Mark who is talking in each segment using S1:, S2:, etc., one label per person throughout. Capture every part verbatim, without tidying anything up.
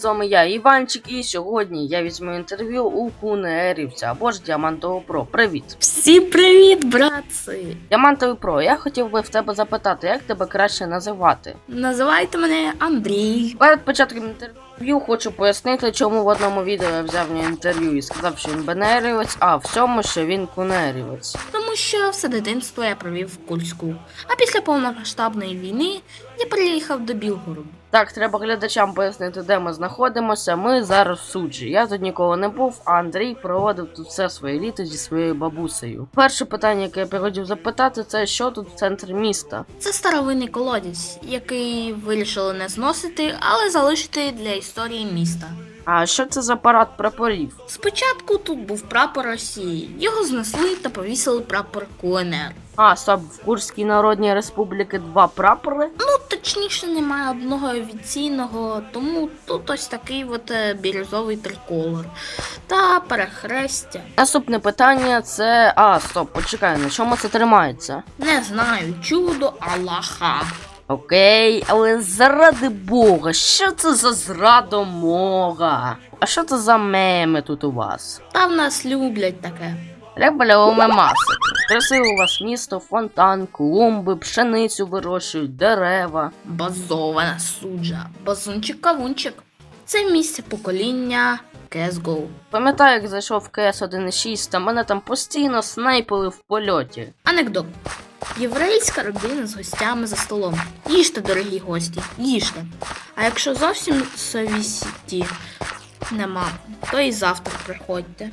S1: З вами я, Іванчик, і сьогодні я візьму інтерв'ю у Кунерівця або ж Діамантового Про. Привіт!
S2: Всім привіт, братці!
S1: Діамантовий Про, я хотів би в тебе запитати, як тебе краще називати?
S2: Називайте мене Андрій.
S1: Перед початком інтерв'ю хочу пояснити, чому в одному відео я взяв в нього інтерв'ю і сказав, що він бенерівець, а в цьому, що він кунерівець.
S2: Тому що все дитинство я провів в Курську. А після повномасштабної війни я переїхав до Білгороду.
S1: Так, треба глядачам пояснити, де ми знаходимося. Ми зараз в суджі. Я тут ніколи не був, а Андрій проводив тут все своє літо зі своєю бабусею. Перше питання, яке я хотів запитати, це що тут в центрі міста?
S2: Це старовинний колодязь, який вирішили не зносити, але залишити для історії міста.
S1: А що це за парад прапорів?
S2: Спочатку тут був прапор Росії. Його знесли та повісили прапор КНР.
S1: А, стоп, в Курській Народній Республіки два прапори?
S2: Ну, точніше, немає одного офіційного, тому тут ось такий от бірюзовий триколор та перехрестя.
S1: Наступне питання це... А, стоп, почекай, на чому це тримається?
S2: Не знаю, чудо Аллаха.
S1: Окей, але заради Бога, що це за зрадомога? А що це за меми тут у вас?
S2: Та в нас люблять таке.
S1: Ребалевими масики. Красиве у вас місто, фонтан, клумби, пшеницю вирощують, дерева.
S2: Базована суджа, базунчик-кавунчик. Це місце покоління сі ес го.
S1: Пам'ятаю, як зайшов в ка ес один шість, та мене там постійно снайпили в польоті.
S2: Анекдот. Єврейська родина з гостями за столом. Їжте, дорогі гості, їжте. А якщо зовсім совісті нема, то і завтра приходьте.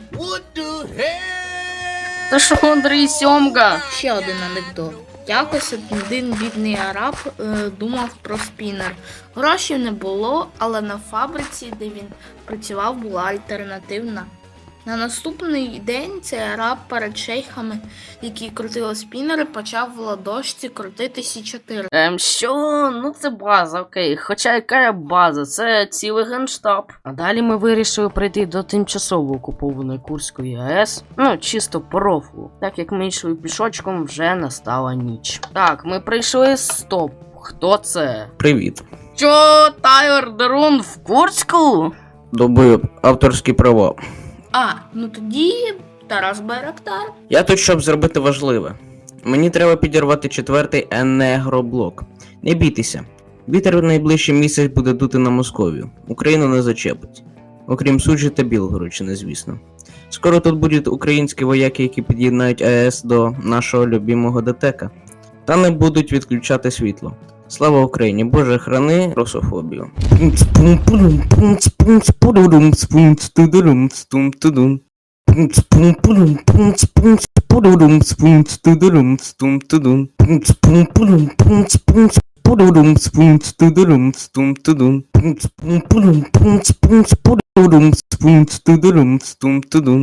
S1: Та що, Андрій Сьомга?
S2: Ще один анекдот. Якось один бідний араб е, думав про спінер. Грошей не було, але на фабриці, де він працював, була альтернативна. На наступний день цей араб перед шейхами, які крутили спінери, почав в ладошці крутити сі чотири.
S1: Ем, що? Ну це база, окей. Хоча яка база? Це цілий генштаб. А далі ми вирішили прийти до тимчасово окупованої Курської АЕС. Ну, чисто по рофлу. Так як ми йшли пішочком, вже настала ніч. Так, ми прийшли, стоп. Хто це?
S3: Привіт.
S1: Що, Тайлер Дерун в Курську?
S3: Добив авторські права.
S2: А, ну тоді Тарас Байрактар.
S3: Я тут, щоб зробити важливе. Мені треба підірвати четвертий енергоблок. Не бійтеся. Вітер в найближчий місяць буде дути на Московію. Україну не зачепить. Окрім Суджі та Білгородщини, звісно. Скоро тут будуть українські вояки, які під'єднають АЕС до нашого любимого ДТЕКа. Та не будуть відключати світло. Слава Україні, Боже, храни русофобію.